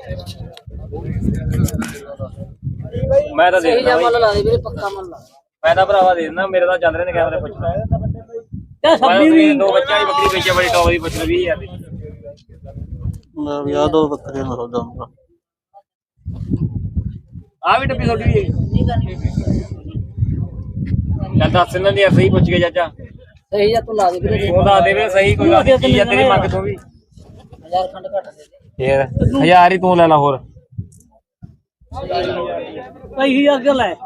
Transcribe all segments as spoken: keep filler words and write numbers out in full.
मैं तो सही जा मुल ला दे वीरे पक्का मुल ला मैं तो भरावा दे देना मेरे तो चल रहे ने कैमरे पुछना क्या सब्जी भी दो बच्चा ही बकरी बेचे बड़ी टॉप दी पुछ बीस हज़ार दी मैं भी आ दो बकरे में हो जाऊंगा आ भी डब्बी छोटी है दस दिन दी सही पुछ के चाचा सही जा तू ला दे वीरे ਉਹ ਦੱਸ ਦੇ ਵੇ ਸਹੀ ਕੋਈ ਗੱਲ ਨਹੀਂ ਚੀਜ਼ ਆ ਤੇਰੀ ਮੰਗ ਤੋਂ ਵੀ हजार खंड घट दे दे ਫੇਰ ਹਜ਼ਾਰ ਹੀ ਤੂੰ ਲੈ ਲਾ ਹੋਰ कई हजार का ले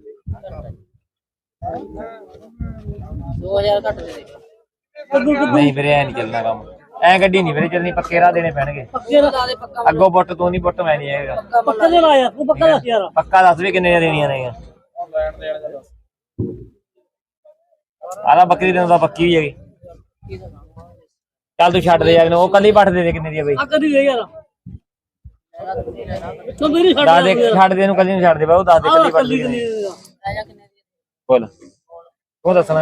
दो हजार घट दे दे ਨਹੀਂ ਵੀਰੇ ਐ ਨਹੀਂ ਚੱਲਣਾ ਕੰਮ ਐ ਗੱਡੀ ਨਹੀਂ ਵੀਰੇ ਚੱਲਣੀ ਪੱਕੇ ਰਾਹ ਦੇਣੇ ਪੈਣਗੇ पक्के ला दे पक्का ਅੱਗੋਂ ਪੁੱਟ ਤੂੰ ਨਹੀਂ ਪੁੱਟ ਮੈਂ ਨਹੀਂ ਆਏਗਾ पक्का दे ला यार तू पक्का दस यार ਪੱਕਾ ਦੱਸ ਵੀ ਕਿੰਨੇ ਦੇਣੀਆਂ ਨੇ ਆਦਾ ਬੱਕਰੀ ਦੇ ਦਾ ਪੱਕੀ ਹੋਈ ਹੈਗੀ ਚੱਲ ਤੂੰ ਛੱਡ ਦੇ ਯਾਰ ਉਹ ਕੱਲੀ ਪੱਠ ਦੇ ਦੇ ਕਿੰਨੇ ਦੀ ਆ ਬਈ आ कदी दे यार तो मेरी छड़ ਦੱਸ ਦੇ ਛੱਡ ਦੇ ਇਹਨੂੰ ਕੱਲੀ ਨੂੰ ਛੱਡ ਦੇ ਬਾਈ ਉਹ ਦੱਸ ਦੇ ਕੱਲੀ ਪੱਠ ਦੀ ਕਿੰਨੀ राजा कितने दी ਬੋਲ ਉਹ ਦੱਸਣਾ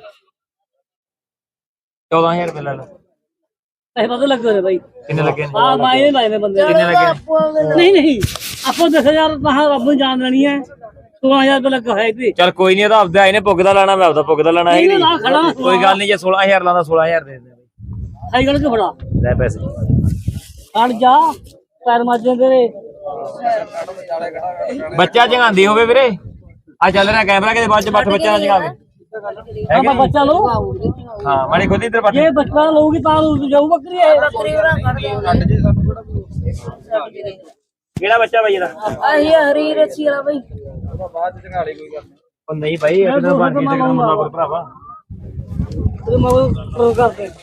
चौदह हज़ार रुपये ले लो ऐसे पता लग रहे भाई कितने लगे हां मायने लाए ने बंदे कितने लगे नहीं नहीं आपको दस हजार कहां रब जान लेनी है सोलह हजार रुपये लगा है इतनी चल कोई नहीं तो आपदा इन्हें पुगदा लाना मैं आपदा पुगदा लाना है नहीं, ना खड़ा ना, कोई गल नहीं जे सोलह हज़ार लाना सोलह हज़ार दे दे सही गल के फड़ा ले पैसे हट जा पैर माजे तेरे बच्चा जगांदी होवे वीरे आ चल रहा कैमरा के बाद च बठ बच्चा ना जगावे अब बच्चा लो हां माड़ी खुद इधर बठ ये बच्चा लोगी ता लो जाऊ बकरी है केड़ा बच्चा भाई दा आही हरी रची वाला भाई बाद जगा ले कोई गल ओ नहीं भाई एक दिन बन के जगना मुंडा कोई भरावा तेरे मगो प्रो कर दे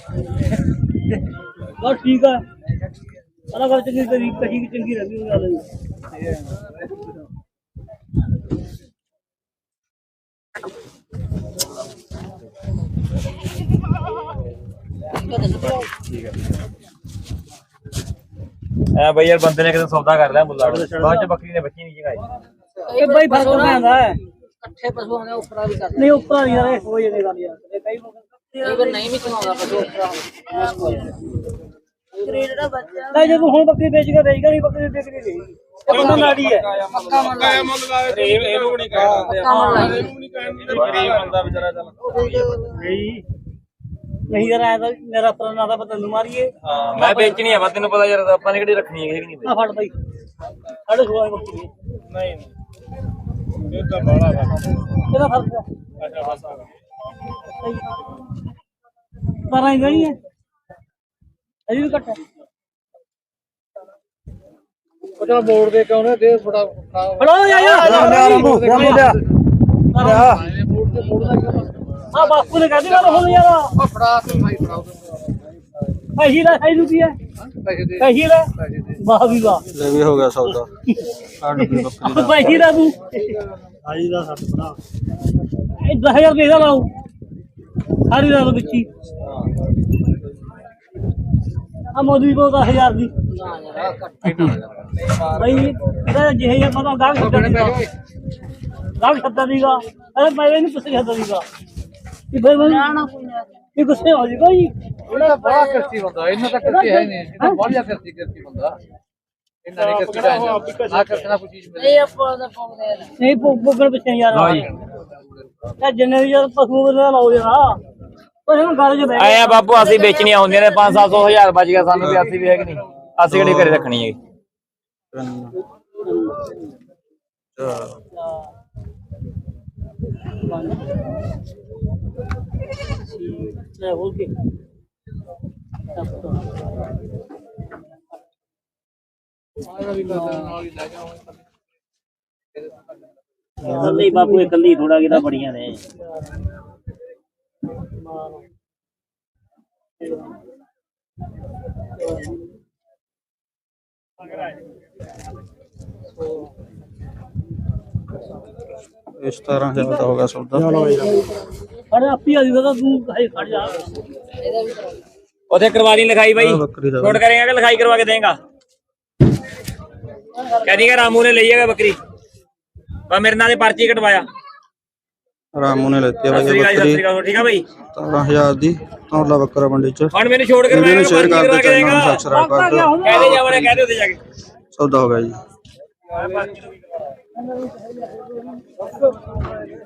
बस ठीक है अलग अलग चंगी तेरी कहीं की चंगी रहती है वाला ए भाई यार बंदे ने कितने सौदा कर लिया मुल्ला बाद च बकरी ने बच्ची नहीं जगाई ये भाई फर्क में आता है इकट्ठे पशु होने ऊपर भी कर नहीं ऊपर नहीं यार हो जाएगा यार कई बार नहीं भी चलाऊंगा पशु ऊपर ग्रेड का बच्चा भाई जब ਹੁਣ ਬੱਕਰੀ ਵੇਚ ਕੇ ਦੇਈਗਾ ਨਹੀਂ ਬੱਕਰੀ ਵੇਚ ਕੇ ਦੇਈਗੀ ਇਹ ਬੰਦਾ ਨਾੜੀ ਹੈ ਪੱਕਾ ਮੰਨ ਲਾ ਮੁੱਲ ਲਾ ਇਹ ਇਹਨੂੰ ਨਹੀਂ ਕਹਿੰਦੇ ਇਹਨੂੰ ਨਹੀਂ ਕਹਿੰਦੇ ਗਰੀਬ ਬੰਦਾ ਵਿਚਾਰਾ ਚੱਲ ਨਹੀਂ ਨਹੀਂ ਯਾਰ ਐ ਤਾਂ ਮੇਰਾ ਪੁਰਾਣਾ ਦਾ ਪਤਾ ਨੂੰ ਮਾਰੀਏ ਹਾਂ ਮੈਂ ਵੇਚਣੀ ਆ ਵਾ ਤੈਨੂੰ ਪਤਾ ਯਾਰ ਆਪਾਂ ਨੇ ਕਿਹੜੀ ਰੱਖਣੀ ਹੈ ਕਿ ਨਹੀਂ ਆ ਫੜ ਬਾਈ ਸਾਡੇ ਖੋਆ ਬੱਕਰੀ ਨਹੀਂ ਇਹ ਤਾਂ ਬੜਾ ਵਾ ਇਹਦਾ ਫਰਕ ਹੈ ਅੱਛਾ ਬਸ ਆ ਬਾਰਾਂ ਹੀ ਗਣੀ ਹੈ ਅਜੀ ਵੀ ਘੱਟ ਹੈ ਉਹ ਚਲ ਮੋੜ ਦੇ ਕੇ ਉਹਨੇ ਦੇ ਥੋੜਾ ਫੜੋ ਯਾ ਯਾ ਮੁੰਡਿਆ ਆ ਬਾਪੂ ਨੇ ਕਹਦੀ ਗੱਲ ਹੁਣ ਯਾਰ ਉਹ ਫੜਾ ਤੇ ਭਾਈ ਫੜਾ ਪੈਸੇ ਲੈ ਸਾਈ ਰੁਪਿਆ ਪੈਸੇ ਦੇ ਪੈਸੇ ਲੈ ਵਾਹ ਵੀ ਵਾਹ ਲੈ ਵੀ ਹੋ ਗਿਆ ਸੌਦਾ ਆਹ ਡੱਬੀ ਬੱਕਰੀ ਦਾ ਪੈਸੇ ਲੈ ਤੂੰ ਆਜੀ ਦਾ ਸੱਤ ਬਣਾ ਇਹ ਦਸ ਹਜ਼ਾਰ ਦੇ ਦਾ ਲਾਉ ਸਾਰੀ ਰਾਤ ਵਿੱਚੀ ਆ ਮੋਦੀ ਕੋ ਦਸ ਹਜ਼ਾਰ ਦੀ ਭਾਈ ਇਹਦਾ ਜਿਹੇ ਜਿਹਾ ਪਤਾ ਗਾਹਕ ਛੱਡਣ ਦੀਗਾ ਗਾਹਕ ਛੱਡਣ ਦੀਗਾ ਅਰੇ ਮੈਂ ਨਹੀਂ ਪੁੱਛ ਰਿਹਾ ਦੀਗਾ ਕਿ ਫਿਰ ਮੈਂ ਇਹ ਗੁੱਸੇ ਹੋ ਜੀ ਭਾਈ ਉਹਦਾ ਬੜਾ ਕਰਤੀ ਬੰਦਾ ਇਹਨਾਂ ਤਾਂ ਕਰਤੀ ਹੈ ਨਹੀਂ ਇਹਦਾ ਬਹੁਤ ਜ਼ਿਆਦਾ ਕਰਤੀ ਕਰਤੀ ਬੰਦਾ ਇਹਨਾਂ ਨੇ ਕਰਤੀ ਹੈ ਆ ਕਰਨਾ ਕੋਈ ਚੀਜ਼ ਮਿਲੇ ਇਹ ਆਪਾਂ ਦਾ ਪੋਗਦੇ ਨਹੀਂ ਪੋਗਣ ਪਿੱਛੇ ਯਾਰ ਇਹ ਜਿੰਨੇ ਵੀ ਯਾਰ ਪਸ਼ੂ ਦਾ ਲਾਓ ਯਾਰ ਉਹ ਹੁਣ ਗੱਲ ਚ ਬੈ ਆਇਆ ਬਾਪੂ ਅਸੀਂ ਵੇਚਣੀਆਂ ਹੁੰਦੀਆਂ ਨੇ ਪੰਜ ਸੱਤ ਸੌ ਹਜ਼ਾਰ ਬਚ ਗਿਆ ਸਾਨੂੰ ਵੀ ਅਸੀਂ ਵੀ ਹੈ ਕਿ ਨਹੀਂ ਅਸੀਂ ਕਿਹੜੀ ਘਰੇ ਰੱਖਣੀ ਹੈ ਲੈ ਹੋ ਕੇ ਕੱਲੀ ਬਾਪੂ ਇਹ ਕੱਲੀ ਥੋੜਾ ਕਿਦਾ ਬੜੀਆਂ ਨੇ ਇਸ ਤਰ੍ਹਾਂ ਦਾ ਹੋ ਗਿਆ ਸੌਦਾ ਅਰੇ ਆਪੀ ਆ ਜੂਗਾ ਤੂੰ ਭਾਈ ਖੜ ਜਾ उसे करवा दी लिखाई भाई नोट करेगा कि लिखाई करवा के देगा कह दी रामू ने लिया बकरी मेरे नाल पर्ची कटवाया रामू ने लेती है भाई बकरी ठीक है भाई सत्रह हज़ार दी तौला बकरा मंडी च और मैंने छोड़ कर वीडियो ਨੂੰ ਸ਼ੇਅਰ ਕਰ ਦਿਓ ਚੈਨਲ ਨੂੰ ਸਬਸਕ੍ਰਾਈਬ ਕਰ ਦਿਓ कह दे जावड़े कह दे उधर जाके ਸੌਦਾ ਹੋ ਗਿਆ ਜੀ।